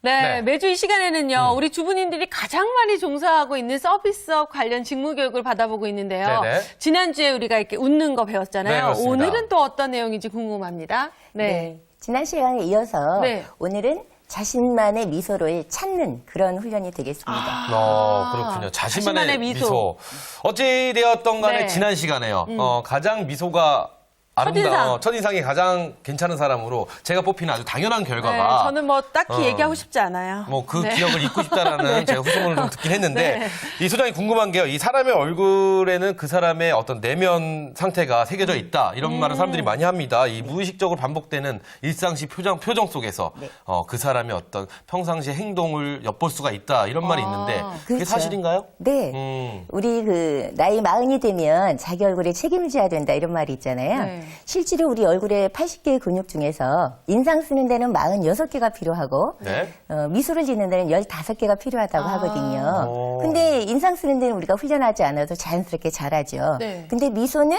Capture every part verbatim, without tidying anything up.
네, 네. 매주 이 시간에는요, 음. 우리 주부님들이 가장 많이 종사하고 있는 서비스업 관련 직무 교육을 받아보고 있는데요. 네네. 지난주에 우리가 이렇게 웃는 거 배웠잖아요. 네, 그렇습니다. 오늘은 또 어떤 내용인지 궁금합니다. 네. 네. 지난 시간에 이어서 네. 오늘은 자신만의 미소를 찾는 그런 훈련이 되겠습니다. 어, 그렇군요. 자신만의, 자신만의 미소. 미소. 어찌되었던 간에 네. 지난 시간에요. 어, 가장 미소가 아름다운, 첫인상. 첫인상이 가장 괜찮은 사람으로 제가 뽑히는 아주 당연한 네, 결과가 저는 뭐 딱히 어. 얘기하고 싶지 않아요. 뭐 그 네. 기억을 잊고 싶다라는 제가 후소문을 좀 듣긴 했는데 네. 이 소장이 궁금한 게요. 이 사람의 얼굴에는 그 사람의 어떤 내면 상태가 새겨져 있다. 이런 음. 말을 사람들이 많이 합니다. 이 무의식적으로 반복되는 일상시 표정, 표정 속에서 네. 어, 그 사람의 어떤 평상시 행동을 엿볼 수가 있다. 이런 말이 아. 있는데 그게 그렇죠. 사실인가요? 네. 음. 우리 그 나이 마흔이 되면 자기 얼굴에 책임져야 된다 이런 말이 있잖아요. 네. 실제로 우리 얼굴에 팔십 개의 근육 중에서 인상 쓰는 데는 마흔여섯 개가 필요하고 네. 어, 미소를 짓는 데는 열다섯 개가 필요하다고 아. 하거든요. 오. 근데 인상 쓰는 데는 우리가 훈련하지 않아도 자연스럽게 잘하죠. 네. 근데 미소는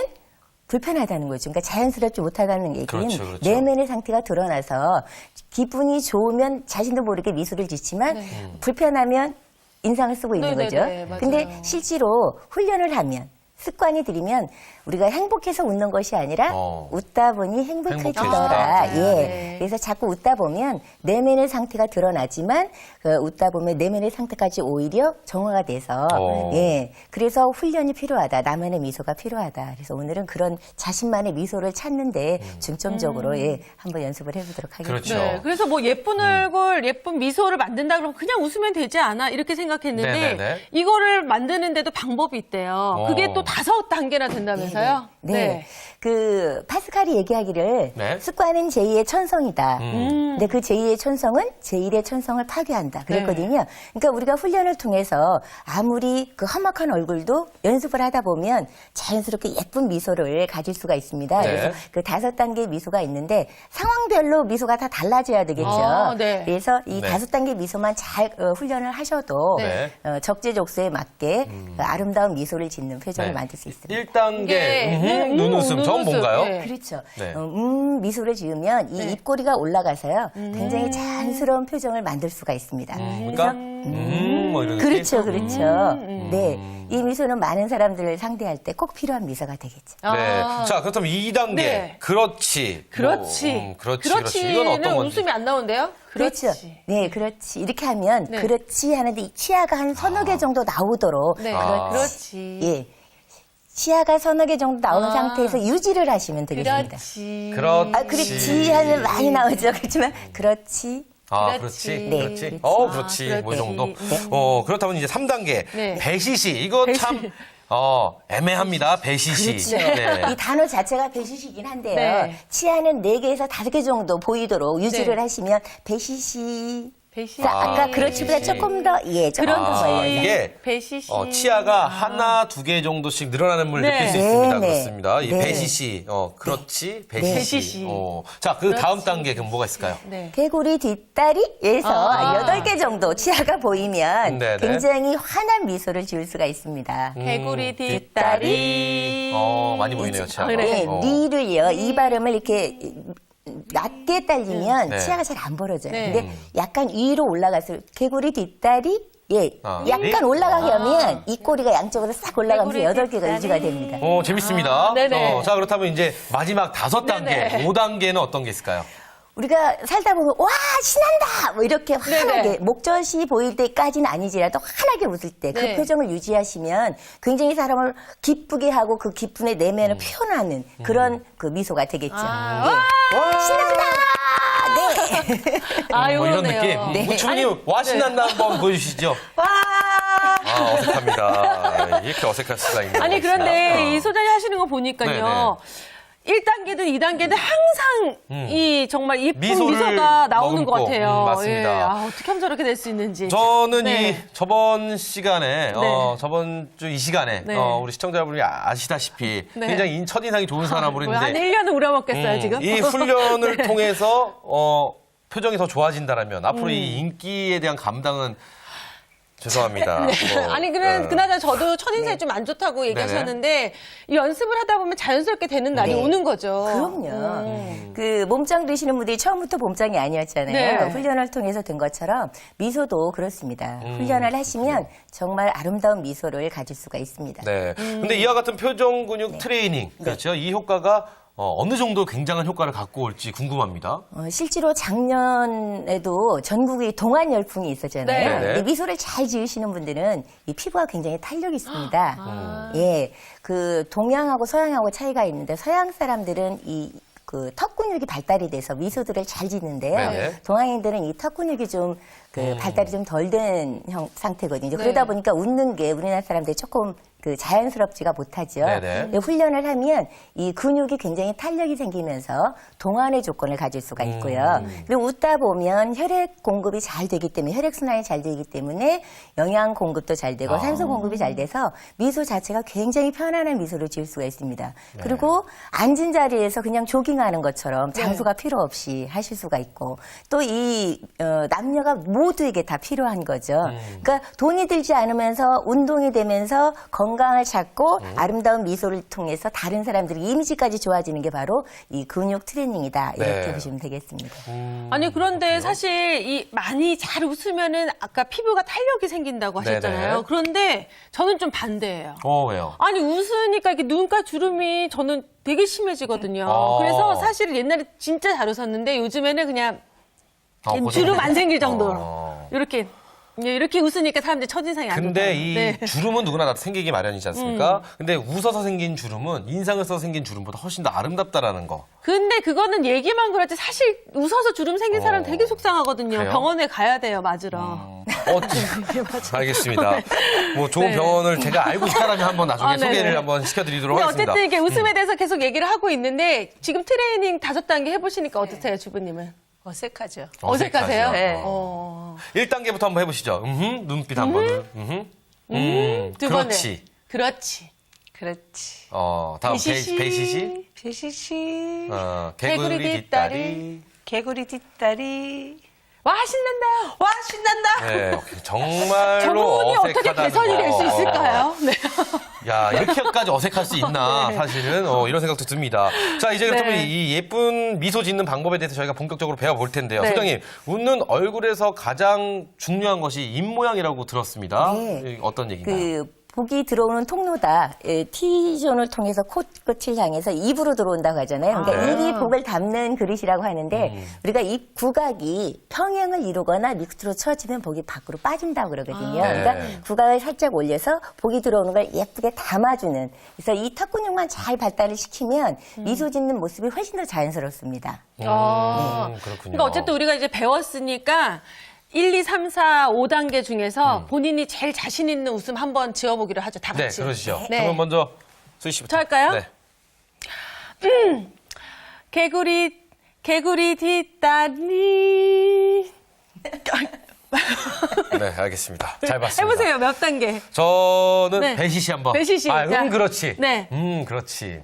불편하다는 거죠. 그러니까 자연스럽지 못하다는 얘기는 그렇죠, 그렇죠. 내면의 상태가 드러나서 기분이 좋으면 자신도 모르게 미소를 짓지만 네. 불편하면 인상을 쓰고 있는 네네네, 거죠. 맞아요. 근데 실제로 훈련을 하면 습관이 들이면 우리가 행복해서 웃는 것이 아니라 어. 웃다 보니 행복해지더라. 행복해진다. 예. 네. 그래서 자꾸 웃다 보면 내면의 상태가 드러나지만 그 웃다 보면 내면의 상태까지 오히려 정화가 돼서 어. 예. 그래서 훈련이 필요하다. 나만의 미소가 필요하다. 그래서 오늘은 그런 자신만의 미소를 찾는데 중점적으로 예, 한번 연습을 해보도록 하겠습니다. 음. 그렇죠. 네, 그래서 뭐 예쁜 얼굴, 예쁜 미소를 만든다 그러면 그냥 웃으면 되지 않아? 이렇게 생각했는데 네네네. 이거를 만드는데도 방법이 있대요. 어. 그게 또 다섯 단계나 된다면서요? 네. 그 파스칼이 얘기하기를 네. 습관은 제이의 천성이다. 음. 근데 그 제이의 천성은 제일의 천성을 파괴한다. 그랬거든요. 그러니까 우리가 훈련을 통해서 아무리 그 험악한 얼굴도 연습을 하다 보면 자연스럽게 예쁜 미소를 가질 수가 있습니다. 네. 그래서 그 다섯 단계의 미소가 있는데 상황별로 미소가 다 달라져야 되겠죠. 아, 네. 그래서 이 네. 다섯 단계 미소만 잘 어, 훈련을 하셔도 네. 어, 적재적소에 맞게 그 아름다운 미소를 짓는 표정을 네. 만들 수 있습니다. 일 단계 네. 음흠, 음, 눈웃음. 음, 저건 눈웃음. 뭔가요? 네. 그렇죠. 네. 어, 음 미소를 지으면 이 네. 입꼬리가 올라가서요. 굉장히 자연스러운 표정을 만들 수가 있습니다. 그러니까 음, 뭐 이런 그렇죠, 느낌? 그렇죠. 음. 네, 이 미소는 많은 사람들을 상대할 때 꼭 필요한 미소가 되겠죠. 아. 네. 자, 그렇다면 이 단계. 네. 그렇지. 그렇지. 뭐, 음, 그렇지. 그렇지. 이건 그렇지는 어떤 건지. 웃음이 안 나오는데요? 그렇지. 그렇죠. 네, 그렇지. 이렇게 하면 네. 그렇지 하는데 이 치아가 한 서너 개 정도 나오도록 네, 아. 그렇지. 예. 치아가 서너 개 정도 나온 아. 상태에서 유지를 하시면 되겠습니다. 그렇지. 그렇지. 아, 그렇지 하면 많이 나오죠. 그렇지만 그렇지. 아, 그렇지. 그렇지. 네, 그렇지. 그렇지. 어, 아, 그렇지. 그렇지. 뭐 이 정도. 네. 어, 그렇다면 이제 삼 단계. 네. 배시시. 이거 배시. 참, 어, 애매합니다. 배시시. 그렇죠. 네. 이 단어 자체가 배시시긴 한데요. 네. 치아는 네 개에서 다섯 개 정도 보이도록 유지를 네. 하시면 배시시. 배시. 자, 아까 아, 그렇지보다 배시시. 조금 더, 예, 조금 그런 더 아, 멀려서. 이게 배시시. 어, 치아가 하나, 두 개 정도씩 늘어나는 걸 네. 느낄 수 네, 있습니다. 네. 그렇습니다. 이 네. 배시시. 어, 그렇지. 배시시. 배시시. 어. 자, 그 다음 단계 그럼 뭐가 있을까요? 네. 개구리 뒷다리에서 아. 여덟 개 정도 치아가 보이면 네네. 굉장히 환한 미소를 지을 수가 있습니다. 개구리 뒷다리. 뒷다리. 어, 많이 보이네요, 치아가. 그래. 네, 어. 리를요, 이 발음을 이렇게 낮게 딸리면 네. 치아가 잘 안 벌어져요. 네. 근데 약간 위로 올라가서 개구리 뒷다리, 예, 아, 약간 리? 올라가게 하면 이 꼬리가 양쪽으로 싹 올라가면서 개구리 여덟 개가 뒷다리. 유지가 됩니다. 어, 재밌습니다. 아, 네네. 어, 자, 그렇다면 이제 마지막 다섯 단계, 네네. 오 단계는 어떤 게 있을까요? 우리가 살다 보면 와 신난다 뭐 이렇게 환하게 네네. 목젖이 보일 때까지는 아니지라도 환하게 웃을 때 그 네. 표정을 유지하시면 굉장히 사람을 기쁘게 하고 그 기쁨의 내면을 표현하는 그런 그 미소가 되겠죠. 아, 예. 와! 신난다. 네. 아, 뭐 이런 요러네요. 느낌. 네. 우추님 와 신난다 한번 보여주시죠. 와! 아, 어색합니다. 이렇게 어색할 수가 있나요? 아니, 그런데 이 소장이 하시는 거 보니까요. 네네. 일 단계든 이 단계든 항상 음. 이 정말 예쁜 미소를 미소가 나오는 것 머금고, 같아요. 음, 맞습니다. 예. 아, 어떻게 하면 저렇게 될 수 있는지. 저는 네. 이 저번 시간에 어, 저번 주 이 시간에 네. 어, 우리 시청자분이 아시다시피 네. 굉장히 인- 첫인상이 좋은 사람으로 뭐야, 한 있는데 일 년은 우려먹겠어요, 음, 지금? 이 훈련을 네. 통해서 어, 표정이 더 좋아진다라면 앞으로 음. 이 인기에 대한 감당은 죄송합니다. 뭐, 아니 그래 어. 그나저나 저도 첫인상이 좀 안 좋다고 얘기하셨는데 이 연습을 하다 보면 자연스럽게 되는 날이 네. 오는 거죠. 그럼요. 음. 그 몸짱 되시는 분들이 처음부터 몸짱이 아니었잖아요. 네. 훈련을 통해서 된 것처럼 미소도 그렇습니다. 훈련을 하시면 정말 아름다운 미소를 가질 수가 있습니다. 네. 근데 이와 같은 표정 근육 네. 트레이닝, 그렇죠. 이 효과가 어, 어느 정도 굉장한 효과를 갖고 올지 궁금합니다. 어, 실제로 작년에도 전국에 동안 열풍이 있었잖아요. 네. 근데 미소를 잘 지으시는 분들은 이 피부가 굉장히 탄력이 있습니다. 아. 예, 그 동양하고 서양하고 차이가 있는데 서양 사람들은 이 그 턱 근육이 발달이 돼서 미소들을 잘 짓는데요. 네네. 동양인들은 이 턱 근육이 좀 그 음. 발달이 좀 덜 된 형 상태거든요. 네. 그러다 보니까 웃는 게 우리나라 사람들이 조금 그 자연스럽지가 못하죠. 네네. 근데 훈련을 하면 이 근육이 굉장히 탄력이 생기면서 동안의 조건을 가질 수가 있고요. 음. 그리고 웃다 보면 혈액 공급이 잘 되기 때문에 혈액 순환이 잘 되기 때문에 영양 공급도 잘 되고 아. 산소 공급이 잘 돼서 미소 자체가 굉장히 편안한 미소를 지을 수가 있습니다. 네. 그리고 앉은 자리에서 그냥 조깅하는 것처럼 장소가 필요 없이 하실 수가 있고 또 이 어, 남녀가 모두에게 다 필요한 거죠. 음. 그러니까 돈이 들지 않으면서 운동이 되면서 건강을 찾고 음. 아름다운 미소를 통해서 다른 사람들의 이미지까지 좋아지는 게 바로 이 근육 트레이닝이다 이렇게 네. 보시면 되겠습니다. 아니 그런데 사실 이 많이 잘 웃으면은 아까 피부가 탄력이 생긴다고 하셨잖아요. 네네. 그런데 저는 좀 반대예요. 어, 왜요? 아니 웃으니까 이렇게 눈가 주름이 저는 되게 심해지거든요. 아. 그래서 사실 옛날에 진짜 잘 웃었는데 요즘에는 그냥 아, 고생- 주름 안 생길 정도로 어. 이렇게 이렇게 웃으니까 사람들이 첫인상이 안 좋다. 근데 이 네. 주름은 누구나 다 생기기 마련이지 않습니까? 음. 근데 웃어서 생긴 주름은 인상을 써서 생긴 주름보다 훨씬 더 아름답다라는 거. 근데 그거는 얘기만 그렇지 사실 웃어서 주름 생긴 사람 어. 되게 속상하거든요. 그래요? 병원에 가야 돼요, 맞으러. 어, 알겠습니다. 뭐 좋은 네. 병원을 제가 알고 싶다라면 한번 나중에 아, 네네. 소개를 한번 시켜드리도록 근데 하겠습니다. 어쨌든 이렇게 웃음에 대해서 계속 얘기를 하고 있는데 지금 트레이닝 다섯 단계 해보시니까 어떠세요, 주부님은? 어색하죠. 어색하세요? 네. 어. 일 단계부터 한번 해보시죠. 음흠, 눈빛 한 번을. 음흠. 음, 두 그렇지. 번에. 그렇지. 그렇지. 어, 다음 배시시. 배- 배시시. 배시시. 어, 개구리 개구리 뒷다리. 뒷다리. 개구리 뒷다리. 와, 신난다. 와, 신난다. 네, 정말로 저분이 어떻게 어색하다는 개선이 될 수 거. 있을까요? 네. 야, 이렇게까지 어색할 수 있나, 사실은. 어, 이런 생각도 듭니다. 자, 이제 네. 그렇다면 이 예쁜 미소 짓는 방법에 대해서 저희가 본격적으로 배워볼 텐데요. 네. 소장님, 웃는 얼굴에서 가장 중요한 것이 입모양이라고 들었습니다. 네. 이 어떤 얘기인가요? 그 복이 들어오는 통로다. 예, T존을 통해서 코끝을 향해서 입으로 들어온다고 하잖아요. 그러니까 아, 네. 입이 복을 담는 그릇이라고 하는데 음. 우리가 입 구각이 평행을 이루거나 밑으로 처지면 복이 밖으로 빠진다고 그러거든요. 아. 네. 그러니까 구각을 살짝 올려서 복이 들어오는 걸 예쁘게 담아주는. 그래서 이 턱 근육만 잘 발달을 시키면 음. 미소 짓는 모습이 훨씬 더 자연스럽습니다. 어. 음, 그렇군요. 그러니까 어쨌든 우리가 이제 배웠으니까 일, 이, 삼, 사, 오 단계 중에서 본인이 제일 자신 있는 웃음 한번 지어보기로 하죠. 다 음. 네, 같이. 그러시죠. 네. 그러면 먼저 수희 씨부터. 저 할까요? 네. 개구리, 개구리 뒷다리. 네, 알겠습니다. 잘 봤습니다. 해보세요. 몇 단계? 저는 네. 배시시 한번. 배시시. 아, 음, 자. 그렇지. 네. 음, 그렇지.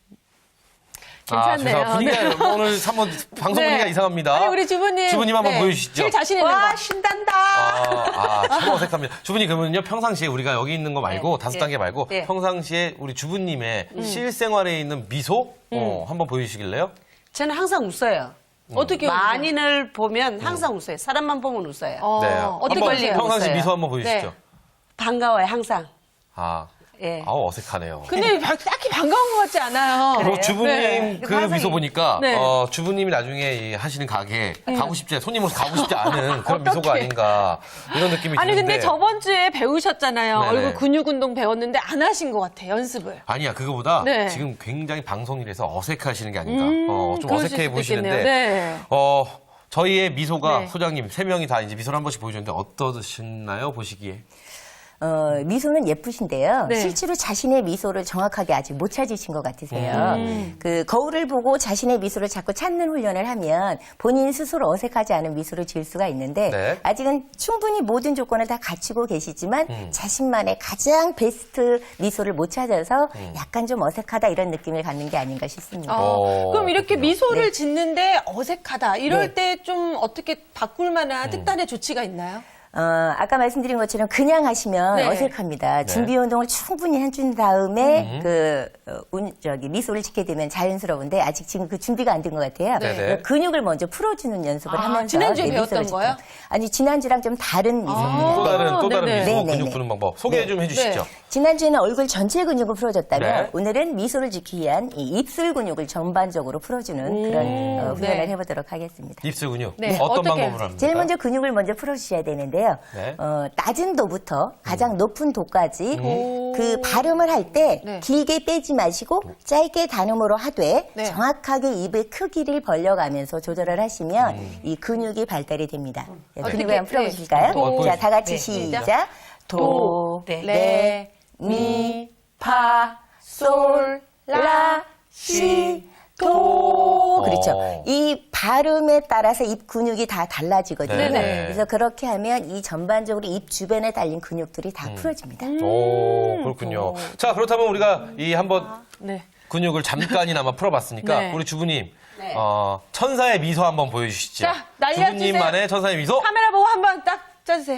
괜찮네요. 아, 죄송합니다. 분위기가 오늘 한번 방송 네. 분위기가 이상합니다. 아니, 우리 주부님. 주부님 한번 네. 보여주시죠. 제일 자신 있는 와, 거. 신난다. 아, 아, 참 어색합니다. 주부님 그러면요 평상시에 우리가 여기 있는 거 말고 네, 다섯 네, 단계 말고 네. 평상시에 우리 주부님의 음. 실생활에 있는 미소 어, 한번 보여주시길래요? 저는 항상 웃어요. 어떻게 만인을 보면 항상 웃어요. 사람만 보면 웃어요. 어, 네. 어떻게 한번 하세요? 평상시 웃어요. 미소 한번 보여주시죠. 네. 반가워요, 항상. 아, 예. 아우 어색하네요. 근데 바- 딱히 반가운 것 같지 않아요. 그리고 주부님 네. 그 항상 미소 보니까 네. 어, 주부님이 나중에 이 하시는 가게 가고 싶지 손님으로 가고 싶지 않은 그런 미소가 어떡해. 아닌가 이런 느낌이 아니 드는데 근데 저번 주에 배우셨잖아요. 네네. 얼굴 근육 운동 배웠는데 안 하신 것 같아 연습을. 아니야 그거보다 네. 지금 굉장히 방송이라서 어색하시는 게 아닌가 음, 어, 좀 그러실 어색해 수도 보이시는데 있겠네요. 네. 어, 저희의 미소가 네. 소장님 세 명이 다 이제 미소를 한 번씩 보여줬는데 어떠셨나요 보시기에? 어, 미소는 예쁘신데요. 네. 실제로 자신의 미소를 정확하게 아직 못 찾으신 것 같으세요. 음. 그 거울을 보고 자신의 미소를 자꾸 찾는 훈련을 하면 본인 스스로 어색하지 않은 미소를 지을 수가 있는데 네. 아직은 충분히 모든 조건을 다 갖추고 계시지만 음. 자신만의 가장 베스트 미소를 못 찾아서 음. 약간 좀 어색하다 이런 느낌을 갖는 게 아닌가 싶습니다. 어, 어, 그럼 이렇게 그렇군요. 미소를 짓는데 어색하다 이럴 네. 때 좀 어떻게 바꿀 만한 특단의 조치가 있나요? 어, 아까 말씀드린 것처럼 그냥 하시면 네. 어색합니다. 준비 운동을 충분히 해준 다음에 음. 그 어, 운, 저기 미소를 짓게 되면 자연스러운데 아직 지금 그 준비가 안 된 것 같아요. 네네. 근육을 먼저 풀어주는 연습을 아, 하면서 지난주에 네, 미소를 배웠던 짓고. 거예요? 아니 지난주랑 좀 다른 미소입니다. 또 다른 또 다른 네네. 미소 네네네. 근육 푸는 방법 소개 좀 해주시죠. 네. 지난주에는 얼굴 전체 근육을 풀어줬다면 네. 오늘은 미소를 짓기 위한 이 입술 근육을 전반적으로 풀어주는 그런 어, 훈련을 네. 해보도록 하겠습니다. 입술 근육 네. 어떤 어떻게 방법으로 합니까? 제일 먼저 근육을 먼저 풀어주셔야 되는데요. 네. 어, 낮은 도부터 가장 높은 도까지 음. 그 발음을 할 때 네. 길게 빼지 마시고 짧게 단음으로 하되 네. 정확하게 입의 크기를 벌려가면서 조절을 하시면 이 근육이 발달이 됩니다. 네, 어떻게, 근육을 한번 풀어보실까요? 네. 도. 자, 다 같이 네. 시작. 도, 네. 레, 미, 파, 솔, 라, 시, 도. 그렇죠. 어. 이 발음에 따라서 입 근육이 다 달라지거든요. 네네. 그래서 그렇게 하면 이 전반적으로 입 주변에 달린 근육들이 다 음. 풀어집니다. 오 그렇군요. 자 그렇다면 우리가 이 한번 네. 근육을 잠깐이나마 풀어봤으니까 네. 우리 주부님 네. 어, 천사의 미소 한번 보여주시죠. 자, 날려주세요. 주부님만의 천사의 미소. 카메라 보고 한번 딱 짜주세요.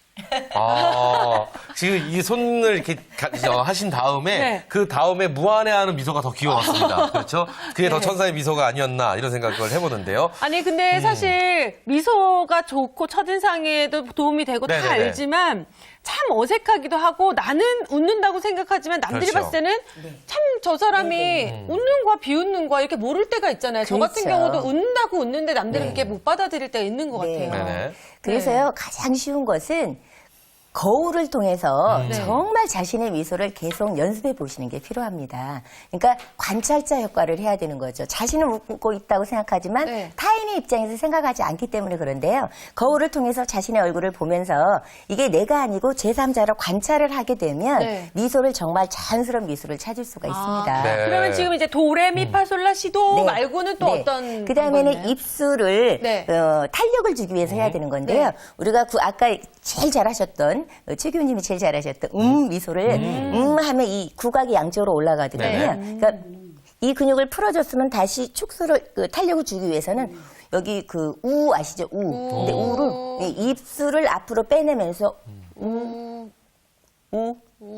아, 지금 이 손을 이렇게 가- 어, 하신 다음에 네. 그 다음에 무한해하는 미소가 더 귀여웠습니다. 그렇죠? 그게 더 천사의 미소가 아니었나 이런 생각을 해보는데요. 아니 근데 음. 사실 미소가 좋고 첫인상에도 도움이 되고 다 네네네. 알지만 참 어색하기도 하고 나는 웃는다고 생각하지만 남들이 그렇죠. 봤을 때는 참 저 사람이 웃는 거야 비웃는 거야 이렇게 모를 때가 있잖아요. 저 같은 그렇죠. 경우도 웃는다고 웃는데 남들이 그렇게 못 받아들일 때가 있는 것 네. 같아요. 네네. 그래서요, 가장 쉬운 것은 거울을 통해서 음. 정말 자신의 미소를 계속 연습해 보시는 게 필요합니다. 그러니까 관찰자 효과를 해야 되는 거죠. 자신은 웃고 있다고 생각하지만 네. 타인의 입장에서 생각하지 않기 때문에 그런데요. 거울을 통해서 자신의 얼굴을 보면서 이게 내가 아니고 제삼자로 관찰을 하게 되면 네. 미소를 정말 자연스러운 미소를 찾을 수가 있습니다. 네. 그러면 지금 이제 도레미파솔라시도 네. 말고는 또 네. 어떤 그다음에는 방법이 있나요? 입술을 네. 어, 탄력을 주기 위해서 해야 되는 건데요. 네. 우리가 그 아까 제일 잘하셨던 어, 최 교수님이 제일 잘하셨던 음 미소를 음, 하면 이 구각이 양쪽으로 올라가거든요. 네. 그러니까 이 근육을 풀어줬으면 다시 축소를 그 탄력을 주기 위해서는 여기 그 우 아시죠? 우. 근데 우를 이 입술을 앞으로 빼내면서 우, 우.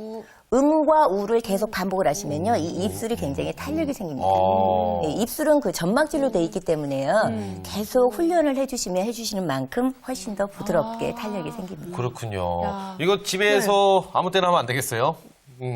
음과 우를 계속 반복을 하시면요, 이 입술이 굉장히 탄력이 생깁니다. 어. 예, 입술은 그 점막질로 돼 있기 때문에요, 계속 훈련을 해주시면 해주시는 만큼 훨씬 더 부드럽게 탄력이 생깁니다. 그렇군요. 야. 이거 집에서 아무 때나 하면 안 되겠어요? 음.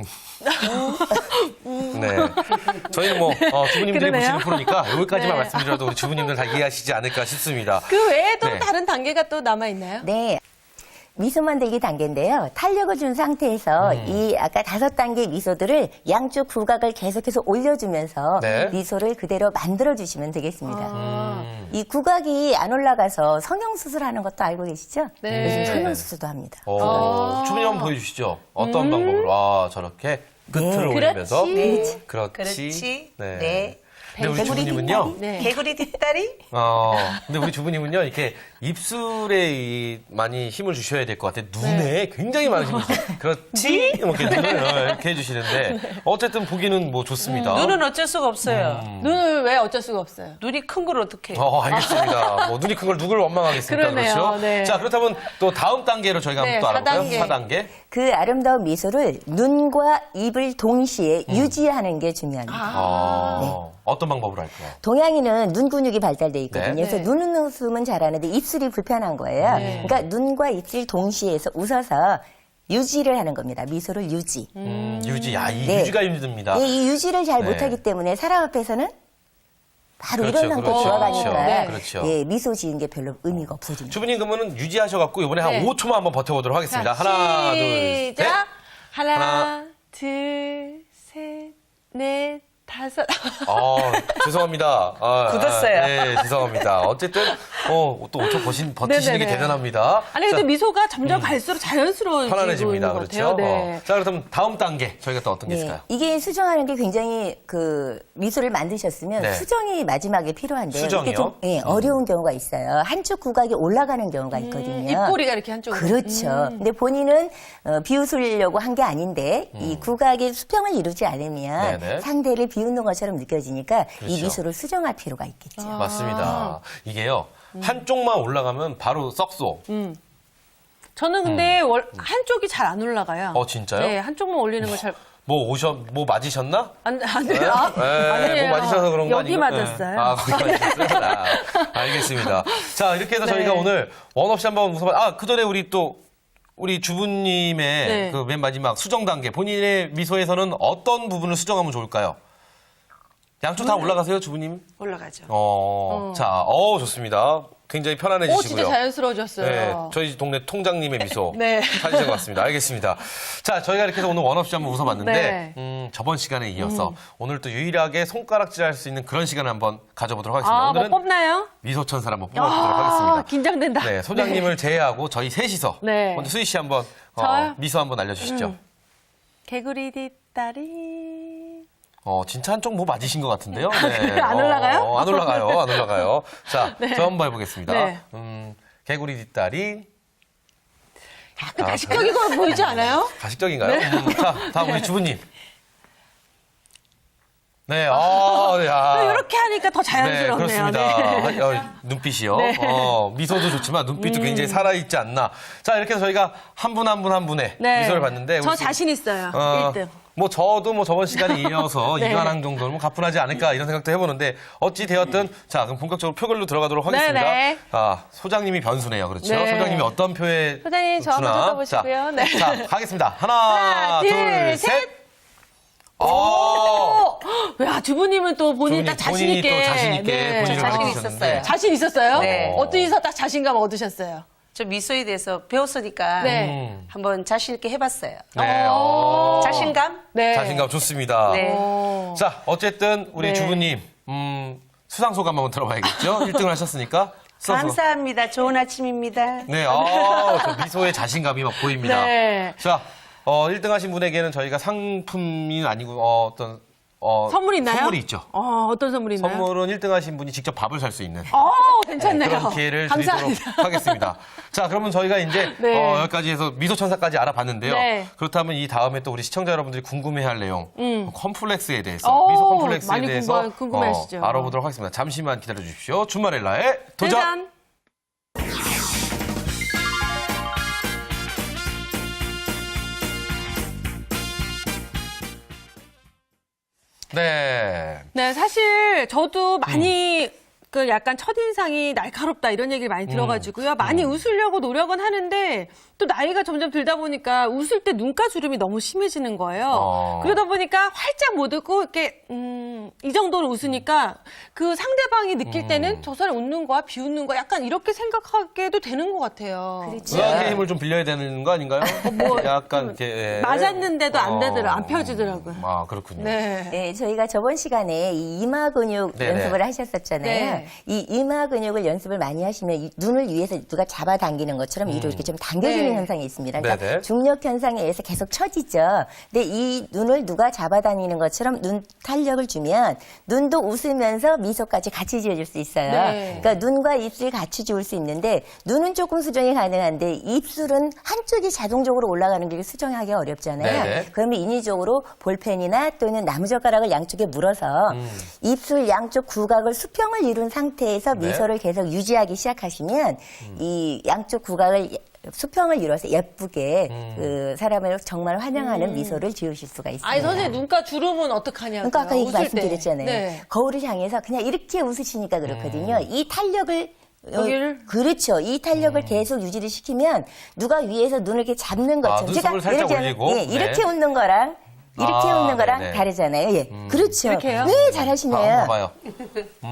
네. 저희는 뭐, 어, 주부님들이 그러네요. 보시는 프로니까 여기까지만 네. 말씀드려도 우리 주부님들 다 이해하시지 않을까 싶습니다. 그 외에 또 네. 다른 단계가 또 남아 있나요? 네. 미소 만들기 단계인데요. 탄력을 준 상태에서 음. 이 아까 다섯 단계 미소들을 양쪽 구각을 계속해서 올려주면서 네. 미소를 그대로 만들어주시면 되겠습니다. 아, 음. 이 구각이 안 올라가서 성형수술하는 것도 알고 계시죠? 네. 요즘 성형수술도 합니다. 어, 아. 주부님 한번 보여주시죠. 어떤 방법으로? 아, 저렇게 끝을 네. 올리면서. 그렇지. 그렇지. 그렇지. 네. 네. 근데 우리 개구리 주부님은요. 네. 개구리 뒷다리? 어, 근데 우리 주부님은요, 이렇게 입술에 이 많이 힘을 주셔야 될 것 같아요. 눈에 굉장히 많은 힘을 주세요. 그렇지? 이렇게 눈을 이렇게 해주시는데, 어쨌든 보기는 뭐 좋습니다. 눈은 어쩔 수가 없어요. 눈을 왜 어쩔 수가 없어요? 눈이 큰 걸 어떻게 해? 어, 알겠습니다. 뭐, 눈이 큰 걸 누굴 원망하겠습니까? 그러네요. 그렇죠? 네. 자, 그렇다면 또 다음 단계로 저희가 네, 한번 또 알아볼까요? 사 단계. 사 단계. 그 아름다운 미소를 눈과 입을 동시에 유지하는 게 중요합니다. 아, 네. 어떤 방법으로 할까요? 동양인은 눈 근육이 발달돼 있거든요. 네. 그래서 네. 눈은 웃음은 잘하는데 입술이 불편한 거예요. 네. 그러니까 눈과 입술 동시에 해서 웃어서 유지를 하는 겁니다. 미소를 유지. 음, 유지. 야, 이 네. 유지가 힘듭니다. 예, 이 유지를 잘 네. 못하기 때문에 사람 앞에서는 바로 그렇죠, 이런 상태 그렇죠, 좋아가니까 그렇죠. 그렇죠. 예, 미소 지은 게 별로 의미가 없어집니다. 주부님 그러면은 유지하셔갖고 이번에 한 네. 오 초만 한번 버텨보도록 하겠습니다. 자, 하나, 둘, 셋. 시작. 하나, 하나. 둘, 셋, 넷, 다섯. 어, 죄송합니다. 아, 굳었어요. 아, 네, 죄송합니다. 어쨌든, 어, 또 오 초 버신, 버티시는 게 네네네. 대단합니다. 아니 근데 자, 미소가 점점 갈수록 자연스러워지고 편안해집니다. 있는 것 그렇죠? 같아요. 네. 어. 자, 그렇다면 다음 단계, 저희가 또 어떤 게 네, 있을까요? 이게 수정하는 게 굉장히 그 미소를 만드셨으면 네. 수정이 마지막에 필요한데 수정이요? 이게 좀 예, 어려운 경우가 있어요. 한쪽 구각이 올라가는 경우가 있거든요. 입꼬리가 이렇게 한쪽으로. 그렇죠. 근데 본인은 어, 비웃으려고 한 게 아닌데 이 구각이 수평을 이루지 않으면 음. 네네. 상대를 비웃는 것처럼 느껴지니까 이 그렇죠. 미소를 수정할 필요가 있겠죠. 맞습니다. 이게요, 한쪽만 올라가면 바로 썩소. 저는 근데 월- 한쪽이 잘 안 올라가요. 어, 진짜요? 네, 한쪽만 올리는 걸 잘. 뭐 오셔, 뭐 맞으셨나? 안, 안 돼요. 아, 네, 아니에요. 뭐 맞으셔서 그런 거 여기 아니고? 맞았어요. 네. 아, 거기 맞았어요? 아, 알겠습니다. 자, 이렇게 해서 네. 저희가 오늘 원 없이 한번 웃어봐. 아, 그 전에 우리 또, 우리 주부님의 네. 그 맨 마지막 수정 단계, 본인의 미소에서는 어떤 부분을 수정하면 좋을까요? 양쪽 다 올라가세요, 주부님? 올라가죠. 어, 자, 어 좋습니다. 굉장히 오, 편안해지시고요. 진짜 자연스러워졌어요. 네, 저희 동네 통장님의 미소 네. 찾으신 것 같습니다. 알겠습니다. 자, 저희가 이렇게 해서 오늘 원 없이 한번 웃어봤는데 네. 음, 저번 시간에 이어서 오늘 또 유일하게 손가락질할 수 있는 그런 시간을 한번 가져보도록 하겠습니다. 아, 뭐 오늘은 뽑나요? 미소천사를 한번 뽑아보도록 아, 하겠습니다. 긴장된다. 네, 소장님을 제외하고 저희 셋이서 네. 먼저 수희 씨 한번 어, 저요? 미소 한번 알려주시죠. 음. 개구리 뒷다리. 어, 진짜 한쪽 뭐 맞으신 것 같은데요? 네. 안 올라가요? 어, 안 올라가요. 안 올라가요. 자, 저 한번 해보겠습니다. 네. 음, 개구리 뒷다리. 약간 아, 가식적인 거 보이지 않아요? 가식적인가요? 음, 자, 다음 우리 주부님. 네, 아, 야. 이렇게 하니까 더 네, 자연스럽네요. 그렇습니다. 네. 어, 눈빛이요. 네. 어, 미소도 좋지만 눈빛도 굉장히 살아있지 않나. 자, 이렇게 해서 저희가 한 분 한 분 한 분의 네. 미소를 봤는데. 저 우리 자신 있어요. 어, 일 등. 뭐 저도 뭐 저번 시간에 이어서 네. 이관왕 정도는 뭐 가뿐하지 않을까 이런 생각도 해보는데 어찌 되었든 자 그럼 본격적으로 표결로 들어가도록 하겠습니다. 네네. 아 소장님이 변수네요, 그렇죠? 네. 소장님이 어떤 표에 소장님, 저 한번 주나? 뜯어보시고요. 자, 네. 자 가겠습니다. 하나, 하나, 둘, 둘, 셋. 셋. 어, 어, 야, 주부님은 또 본인이 주부님, 딱 자신 본인이 있게. 또 자신 있게 네. 본인을 자신 밝히셨는데. 있었어요. 자신 있었어요? 네. 어디서 딱 자신감 얻으셨어요? 저 미소에 대해서 배웠으니까 네. 음. 한번 자신 있게 해봤어요. 네, 어, 자신감? 네. 자신감 좋습니다. 네. 오. 자 어쨌든 우리 네. 주부님 음, 수상 소감 한번 들어봐야겠죠? 일 등을 하셨으니까. 수상 소감. 감사합니다. 좋은 아침입니다. 네, 아, 그 미소의 자신감이 막 보입니다. 네. 자, 어, 일 등 하신 분에게는 저희가 상품이 아니고, 어, 어떤, 어, 선물 있나요? 선물이 있죠. 어, 어떤 선물이 있나요? 선물은 일 등 하신 분이 직접 밥을 살 수 있는 어, 괜찮네요. 그런 기회를 감사합니다. 드리도록 하겠습니다. 자, 그러면 저희가 이제 네. 어, 여기까지 해서 미소천사까지 알아봤는데요. 네. 그렇다면 이 다음에 또 우리 시청자 여러분들이 궁금해할 내용, 컴플렉스에 대해서, 오, 미소 컴플렉스에 많이 대해서 궁금- 궁금해하시죠. 어, 알아보도록 하겠습니다. 잠시만 기다려 주십시오. 주말엘라의 도전! 짜잔. 네. 네, 사실 저도 많이 그 약간 첫인상이 날카롭다 이런 얘기를 많이 들어가지고요. 많이 웃으려고 노력은 하는데 또 나이가 점점 들다 보니까 웃을 때 눈가 주름이 너무 심해지는 거예요. 어. 그러다 보니까 활짝 못 웃고 이렇게 음, 이 정도로 웃으니까 그 상대방이 느낄 때는 저 사람 웃는 거야, 비웃는 거야 약간 이렇게 생각하게도 되는 것 같아요. 그렇죠. 의학의 힘을 좀 빌려야 되는 거 아닌가요? 뭐, 약간 이렇게 예. 맞았는데도 안 되더라, 안 어. 펴지더라고요. 아 그렇군요. 네. 네, 저희가 저번 시간에 이 이마 근육 네네. 연습을 하셨었잖아요. 네. 이 이마 근육을 연습을 많이 하시면 이 눈을 위에서 누가 잡아당기는 것처럼 위로 이렇게 좀 당겨지는 네. 현상이 있습니다. 그러니까 네네. 중력 현상에 의해서 계속 처지죠. 근데 이 눈을 누가 잡아다니는 것처럼 눈 탄력을 주면 눈도 웃으면서 미소까지 같이 지어줄 수 있어요. 네. 그러니까 눈과 입술이 같이 지을 수 있는데 눈은 조금 수정이 가능한데 입술은 한쪽이 자동적으로 올라가는 게 수정하기 어렵잖아요. 네네. 그러면 인위적으로 볼펜이나 또는 나무젓가락을 양쪽에 물어서 음. 입술 양쪽 구각을 수평을 이룬 상태에서 네. 미소를 계속 유지하기 시작하시면 이 양쪽 구각을 예- 수평을 이뤄서 예쁘게 음. 그 사람을 정말 환영하는 미소를 지으실 수가 있습니다. 아니 선생님 눈가 주름은 어떡하냐고요. 그러니까 아까 얘기 웃을 때. 말씀드렸잖아요. 네. 거울을 향해서 그냥 이렇게 웃으시니까 그렇거든요. 이 탄력을 어, 여기를? 그렇죠. 이 탄력을 계속 유지를 시키면 누가 위에서 눈을 이렇게 잡는 아, 것처럼 눈썹을 살짝 예를 들면, 올리고? 예, 이렇게 네. 웃는 거랑 이렇게 아, 웃는 거랑 네네. 다르잖아요. 예. 그렇죠. 이렇게요? 네, 잘하시네요. 아, 한번 봐요. 음.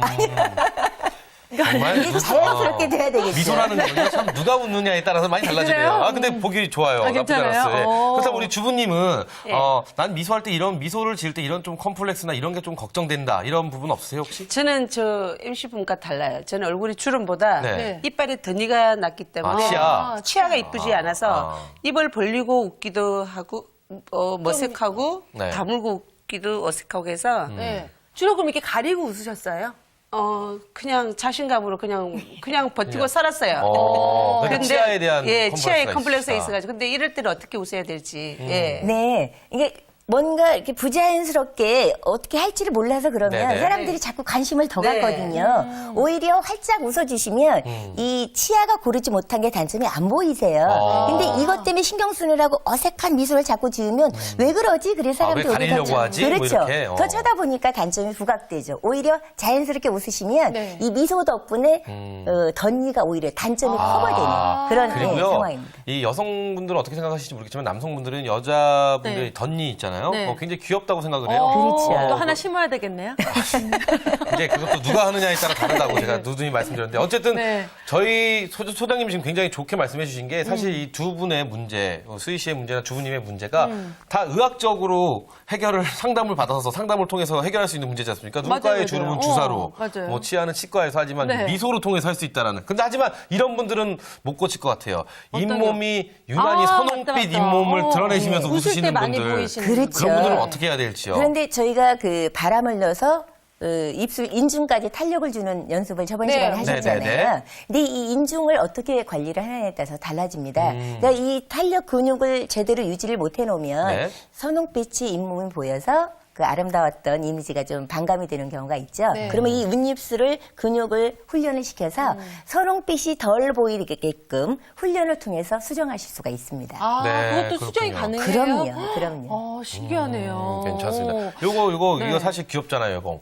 정말 이게 자연스럽게 돼야 되겠죠. 미소라는 거는요, 참 누가 웃느냐에 따라서 많이 달라지네요. 그래요? 아, 근데 보기 좋아요. 아, 나쁘지 괜찮아요? 않았어요. 예. 오. 그렇다면 우리 주부님은, 예. 어, 난 미소할 때 이런, 미소를 지을 때 이런 좀 컴플렉스나 이런 게 좀 걱정된다. 이런 부분 없으세요, 혹시? 저는 저 엠씨분과 달라요. 저는 얼굴이 주름보다 네. 이빨에 더니가 났기 때문에 아, 치아. 치아가 이쁘지 않아서 아. 입을 벌리고 웃기도 하고 어, 머쓱하고 네. 다물고 웃기도 어색하고 해서 네. 주로 그럼 이렇게 가리고 웃으셨어요? 어 그냥 자신감으로 그냥 그냥 버티고 살았어요. 어, 그러니까 근데, 치아에 대한 예, 컴플렉스가 치아에 컴플렉스가 있으시다. 있어가지고 근데 이럴 때는 어떻게 웃어야 될지 예. 네. 이게 뭔가 이렇게 부자연스럽게 어떻게 할지를 몰라서 그러면 네네. 사람들이 자꾸 관심을 더 네. 갖거든요. 오히려 활짝 웃어주시면 음. 이 치아가 고르지 못한 게 단점이 안 보이세요. 아. 근데 이것 때문에 신경 쓰느라고 어색한 미소를 자꾸 지으면 왜 그러지? 그래서 아, 왜 사람들이 오히려 가리려고 하지? 뭐 그렇죠. 이렇게? 어. 더 쳐다보니까 단점이 부각되죠. 오히려 자연스럽게 웃으시면 네. 이 미소 덕분에 음. 어, 덧니가 오히려 단점이 아. 커버되는 그런 네, 그리고요, 상황입니다. 이 여성분들은 어떻게 생각하실지 모르겠지만 남성분들은 여자분들의 네. 덧니 있잖아요. 네. 어, 굉장히 귀엽다고 생각을 해요. 어, 그렇죠. 또 하나 심어야 되겠네요. 이제 그것도 누가 하느냐에 따라 다르다고 제가 누누이 말씀드렸는데 어쨌든 네. 저희 소, 소장님 지금 굉장히 좋게 말씀해 주신 게 사실 이 두 분의 문제, 어, 수희 씨의 문제나 주부님의 문제가 다 의학적으로 해결을 상담을 받아서 상담을 통해서 해결할 수 있는 문제지 않습니까? 맞아요, 눈가의 맞아요. 주름은 어, 주사로, 맞아요. 뭐 치아는 치과에서 하지만 네. 미소로 통해서 할 수 있다라는. 근데 하지만 이런 분들은 못 고칠 것 같아요. 어떤요? 잇몸이 유난히 아, 선홍빛 맞다, 맞다. 잇몸을 어, 드러내시면서 네. 웃을 웃으시는 때 많이 분들. 보이시는 그렇죠. 그런 분들은 어떻게 해야 될지요? 그런데 저희가 그 바람을 넣어서 어, 입술 인중까지 탄력을 주는 연습을 저번 네. 시간에 하셨잖아요. 네네네. 근데 이 인중을 어떻게 관리를 하느냐에 따라서 달라집니다. 음. 그러니까 이 탄력 근육을 제대로 유지를 못 해놓으면 네. 선홍빛이 잇몸이 보여서 그 아름다웠던 이미지가 좀 반감이 되는 경우가 있죠. 네. 그러면 이 윗입술을 근육을 훈련을 시켜서 선홍빛이 덜 보이게끔 훈련을 통해서 수정하실 수가 있습니다. 아, 네, 그것도 수정이 그렇군요. 그럼요, 가능해요? 그럼요. 어, 신기하네요. 음, 괜찮습니다. 오. 요거 요거 네. 이거 사실 귀엽잖아요, 이거.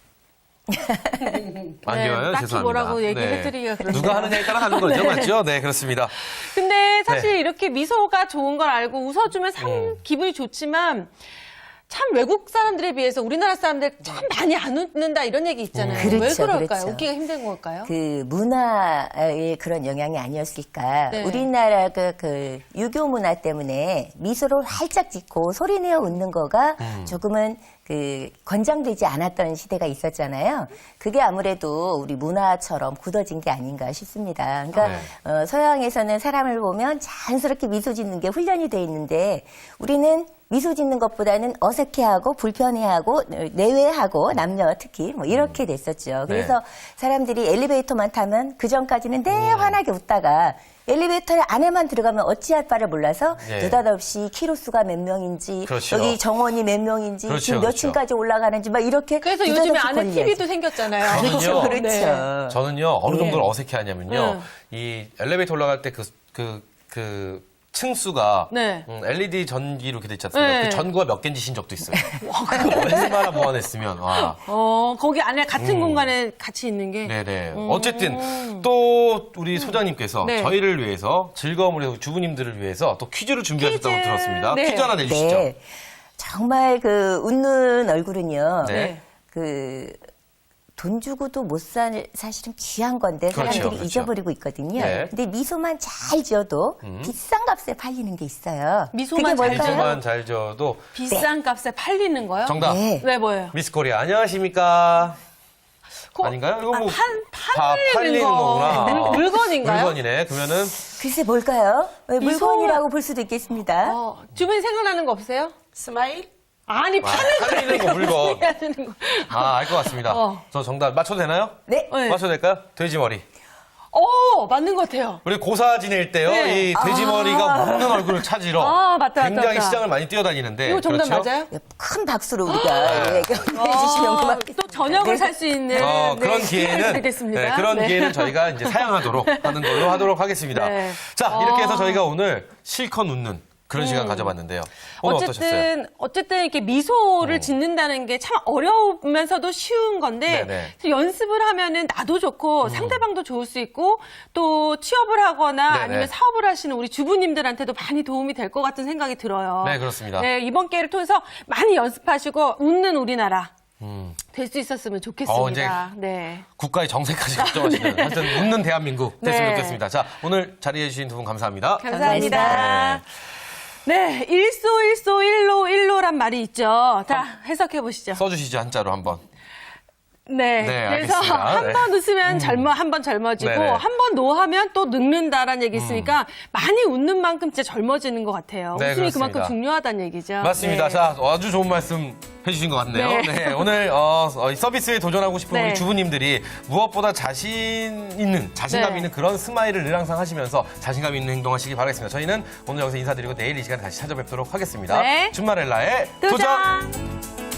안 네, 귀여워요? 딱히 죄송합니다. 뭐라고 얘기해드리기가 그렇네요. 누가 하느냐에 따라 다른 거죠, 맞죠? 네, 그렇습니다. 근데 사실 네. 이렇게 미소가 좋은 걸 알고 웃어주면 참 음. 기분이 좋지만 참 외국 사람들에 비해서 우리나라 사람들 참 많이 안 웃는다 이런 얘기 있잖아요. 그렇죠, 왜 그럴까요? 그렇죠. 웃기가 힘든 걸까요? 그 문화의 그런 영향이 아니었을까. 네. 우리나라 그, 그 유교 문화 때문에 미소를 활짝 짓고 소리내어 웃는 거가 음. 조금은 그 권장되지 않았던 시대가 있었잖아요. 그게 아무래도 우리 문화처럼 굳어진 게 아닌가 싶습니다. 그러니까 네. 어, 서양에서는 사람을 보면 자연스럽게 미소 짓는 게 훈련이 돼 있는데 우리는 미소 짓는 것보다는 어색해하고 불편해하고 내외하고 남녀 특히 뭐 이렇게 됐었죠. 그래서 네. 사람들이 엘리베이터만 타면 그 전까지는 내 환하게 웃다가 엘리베이터 안에만 들어가면 어찌할 바를 몰라서 네. 느닷없이 키로수가 몇 명인지 그렇죠. 여기 정원이 몇 명인지 그렇죠, 지금 몇 그렇죠. 층까지 올라가는지 막 이렇게 그래서 느닷없이 요즘에 안에 걸려야지. 티비도 생겼잖아요. 그렇죠, 그렇죠. 네. 저는요, 어느 네. 정도로 어색해하냐면요, 네. 이 엘리베이터 올라갈 때 그, 그, 그, 층수가 네. 음, 엘이디 전기로 이렇게 돼 있지 않습니까? 네. 그 전구가 몇 개인지 신 적도 있어요. 얼마나 보완했으면. 와. 어, 거기 안에 같은 공간에 같이 있는 게. 네네. 어쨌든 또 우리 소장님께서 네. 저희를 위해서 즐거움을 위해서 주부님들을 위해서 또 퀴즈를 준비하셨다고 퀴즈. 들었습니다. 네. 퀴즈 하나 내주시죠. 네. 정말 그 웃는 얼굴은요. 네. 그 돈 주고도 못 살 사실은 귀한 건데 그렇죠, 사람들이 그렇죠. 잊어버리고 있거든요. 네. 근데 미소만 잘 지어도 비싼 값에 팔리는 게 있어요. 미소만 그게 잘 뭘까요? 미소만 잘 지어도 비싼 값에 팔리는 거요? 정답. 네. 네, 뭐예요? 미스 코리아 안녕하십니까? 그- 아닌가요? 이거 아, 뭐 판, 다 팔리는, 팔리는 거. 거구나. 물, 물건인가요? 물건이네. 그러면은 글쎄 뭘까요? 네, 미소- 물건이라고 볼 수도 있겠습니다. 어, 주변에 생각나는 거 없어요? 스마일? 아니, 아, 파는 팔리는 거 물건. 하시는 거. 아, 알 것 같습니다. 어. 저 정답 맞춰도 되나요? 네. 네. 맞춰도 될까요? 돼지머리. 오, 맞는 것 같아요. 우리 고사 지낼 때요, 네. 이 돼지머리가 웃는 얼굴을 찾으러 아, 맞다, 맞다, 굉장히 맞다. 시장을 많이 뛰어다니는데. 이거 정답 그렇죠? 맞아요? 큰 박수로 우리가 예, 격려해 어, 주시면 고맙겠습니다. 또 저녁을 네. 살 수 있는 어, 네, 그런 기회를 기회는 드리겠습니다. 네, 그런 네. 기회는 저희가 이제 사양하도록 하는 걸로 하도록 하겠습니다. 네. 자, 이렇게 해서 어. 저희가 오늘 실컷 웃는 그런 시간 가져봤는데요. 오늘 어떠셨어요? 음. 어쨌든 어쨌든 이렇게 미소를 짓는다는 게 참 어려우면서도 쉬운 건데 네네. 연습을 하면은 나도 좋고 상대방도 좋을 수 있고 또 취업을 하거나 네네. 아니면 사업을 하시는 우리 주부님들한테도 많이 도움이 될 것 같은 생각이 들어요. 네, 그렇습니다. 네, 이번 기회를 통해서 많이 연습하시고 웃는 우리나라 음. 될 수 있었으면 좋겠습니다. 어, 이제 네. 국가의 정세까지 걱정하시는 하여튼 웃는 대한민국 됐으면 네. 좋겠습니다. 자, 오늘 자리해 주신 두 분 감사합니다. 감사합니다. 감사합니다. 네, 일소일소 일로 일로란 말이 있죠. 자, 해석해 보시죠. 써주시죠, 한자로 한번. 네. 네, 그래서 알겠습니다. 한 번 네. 웃으면 젊어, 한 번 젊어지고, 네네. 한 번 노하면 또 늙는다라는 얘기 있으니까 많이 웃는 만큼 진짜 젊어지는 것 같아요. 네, 웃음이 그렇습니다. 그만큼 중요하다는 얘기죠. 맞습니다. 네. 자, 아주 좋은 말씀 해주신 것 같네요. 네. 네, 오늘 어, 어, 서비스에 도전하고 싶은 네. 우리 주부님들이 무엇보다 자신 있는, 자신감 네. 있는 그런 스마일을 늘 항상 하시면서 자신감 있는 행동하시기 바라겠습니다. 저희는 오늘 여기서 인사드리고 내일 이 시간 다시 찾아뵙도록 하겠습니다. 네. 준마렐라의 도전! 도전!